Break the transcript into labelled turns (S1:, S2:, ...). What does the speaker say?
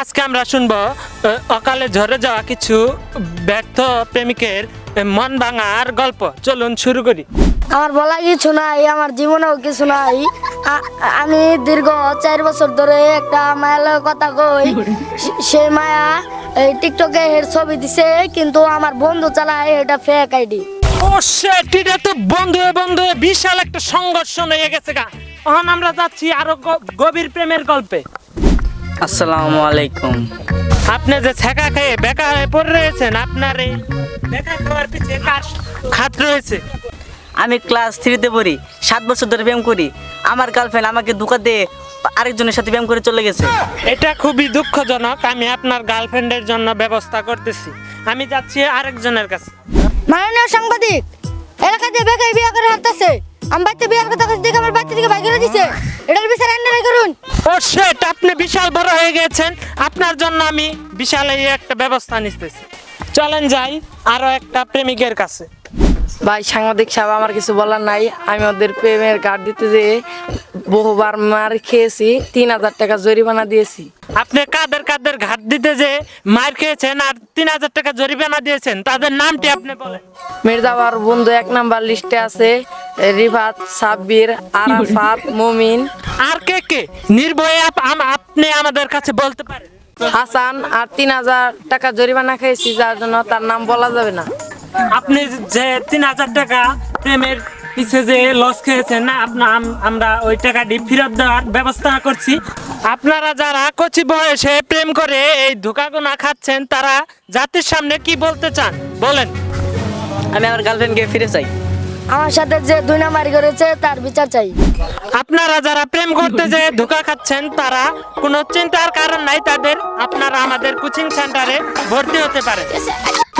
S1: আজকে আমরা শুনবো অকালে ঝরে যাওয়া কিছু ব্যর্থ প্রেমিকের মন ভাঙার গল্প। চলুন শুরু করি।
S2: আমার বলা কিছু নাই, আমার জীবনেও কিছু নাই। আমি দীর্ঘ 4 বছর ধরে একটা মায়ের লগে কথা কই। সেই মায়া এই টিকটকে এর ছবি দিছে, কিন্তু আমার বন্ধু চালায় এটা ফেক আইডি।
S1: ও শিট, এটা তো বন্ধু বন্ধু বিশাল একটা সংঘর্ষ হয়ে গেছে গা। এখন আমরা যাচ্ছি আরো গভীর প্রেমের গল্পে।
S3: আসসালামু আলাইকুম।
S1: আপনি যে ছেঁকা খেয়ে বেকা হয়ে পড়ে রয়েছেন, আপনার এই বেকা খাওয়ার পিছে কার হাত রয়েছে?
S3: আমি ক্লাস 3-তে পড়ি, 7 বছর ধরে প্রেম করি। আমার গার্লফ্রেন্ড আমাকে ধোঁকা দিয়ে আরেকজনের সাথে প্রেম করে চলে গেছে।
S1: এটা খুবই দুঃখজনক। আমি আপনার গার্লফ্রেন্ডের জন্য ব্যবস্থা করতেছি। আমি যাচ্ছি আরেকজনের কাছে।
S2: মাননীয় সাংবাদিক, এলাকাতে বেকার বিয়ে করে হাঁটতেছে। আমার বাচ্চা বিয়ের কথা দেখে আমার বাচ্চা থেকে বাইরে দিছে। এটার বিচার আইনারা করুন।
S1: ও শিট, আপনি বিশাল বড় হয়ে গেছেন। আপনার জন্য আমি বিশাল এই একটা ব্যবস্থা নিতেছি। চলেন যাই আরো একটা প্রেমিকের কাছে।
S4: ভাই সাংবাদিক সাহেব, আমার কিছু বলার নাই। আমি ওদের প্রেমের কার্ড দিতে যেয়ে বহুবার মার খেয়েছি, 3000 টাকা জরিমানা দিয়েছি।
S1: আপনি কাদের কাদের ঘাট দিতে যে মার খেয়েছেন আর 3000 টাকা জরিমানা দিয়েছেন, তাদের নামটি আপনি বলেন।
S4: মির্জাবার বন্ধু 1 নাম্বার লিস্টে আছে রিফাত, সাব্বির, আরাফাত, মুমিন,
S1: আর কে কে নির্ভয়ে আপনি আমাদের কাছে বলতে পারেন।
S4: হাসান। আর 3000 টাকা জরিমানা খেয়েছি, যার জন্য তার নাম বলা যাবে না।
S1: আপনি যে 3000 টাকা প্রেমের পিছে যে লস খেয়েছেন না, আমরা ওই টাকাটি ফেরত দেওয়ার ব্যবস্থা করছি। আপনারা যারা কচি বয়সে প্রেম করে এই ধোঁকাগুনা খাচ্ছেন, তারা জাতির সামনে কি বলতে চান বলেন।
S3: আমি আমার গার্লফ্রেন্ডকে ফিরে চাই।
S2: আমার সাথে যে 2 নাম্বারি করেছে তার বিচার চাই।
S1: আপনারা যারা প্রেম করতে যে ধোঁকা খাচ্ছেন, তারা কোনো চিন্তার কারণ নাই তাদের। আপনারা আমাদের কোচিং সেন্টারে ভর্তি হতে পারেন।